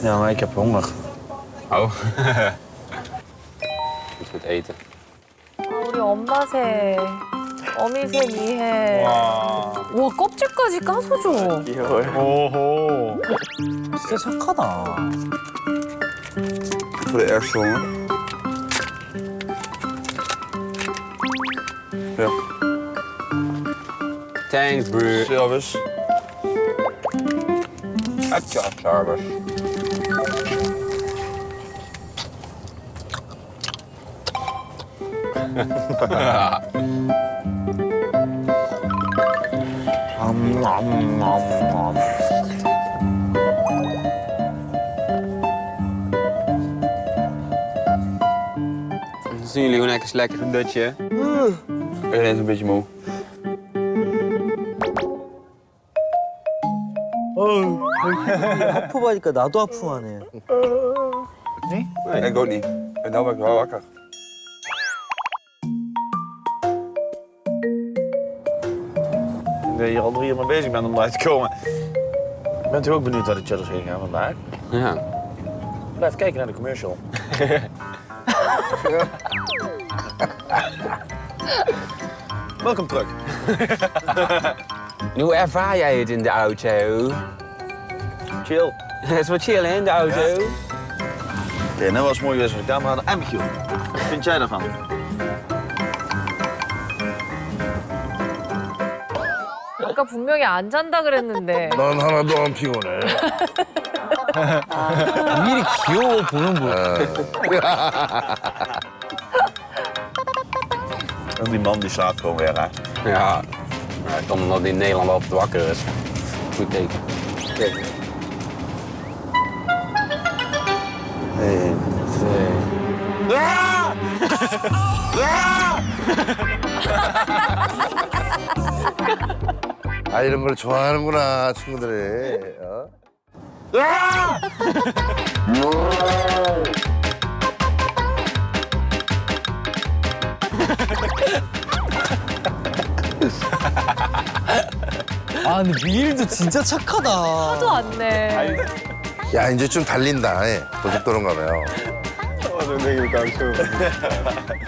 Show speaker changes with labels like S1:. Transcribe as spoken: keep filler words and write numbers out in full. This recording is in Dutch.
S1: Ja, maar ik heb honger.
S2: Oh. Iets met eten.
S3: 우리 엄마 새, 어미 새 미해.
S1: 와.
S3: 와 껍질까지 까서 줘.
S1: 귀여워요.
S4: 오호. 진짜 착하다.
S1: Voor de ergste honger. Ja.
S2: Thanks, bro.
S1: Service.
S2: Atja, service.
S1: Am, am, am, am.
S2: Dan zien jullie gewoon even lekker een dutje.
S1: Ik ben ineens een beetje moe.
S4: 하품하니까 나도 하품하네.
S1: Nee, ik ook niet. En nou ben ik wel wakker. Ik ben hier al drie uur mee bezig ben om eruit te komen. Bent u ook benieuwd waar de cheddars heen gaan vandaag?
S2: Ja.
S1: Blijf kijken naar de commercial. Welkom terug.
S2: En hoe ervaar jij het in de auto?
S1: Chill.
S2: Het is wat chill, hè, in de auto?
S1: Ja. Ja, net was mooi geweest als de camera hadden. En Michiel, wat vind jij daarvan?
S3: 아까 분명히 안 잔다 그랬는데.
S5: 난 하나도 안 피곤해.
S4: 미리 귀여워 보는 거.
S1: En die man die slaapt gewoon weer, hè?
S2: Ja. Ja, dat komt omdat hij in Nederland altijd wakker is. Goed teken.
S1: Kijk. Eén, twee.
S5: 아, 이런 걸 좋아하는구나, 친구들이. 어?
S4: 아 근데 미일도 진짜 착하다.
S3: 하도 안 내.
S5: 야, 이제 좀 달린다. 예. 고속도로인가 봐요.
S1: Oh, dan denk ik ook zo.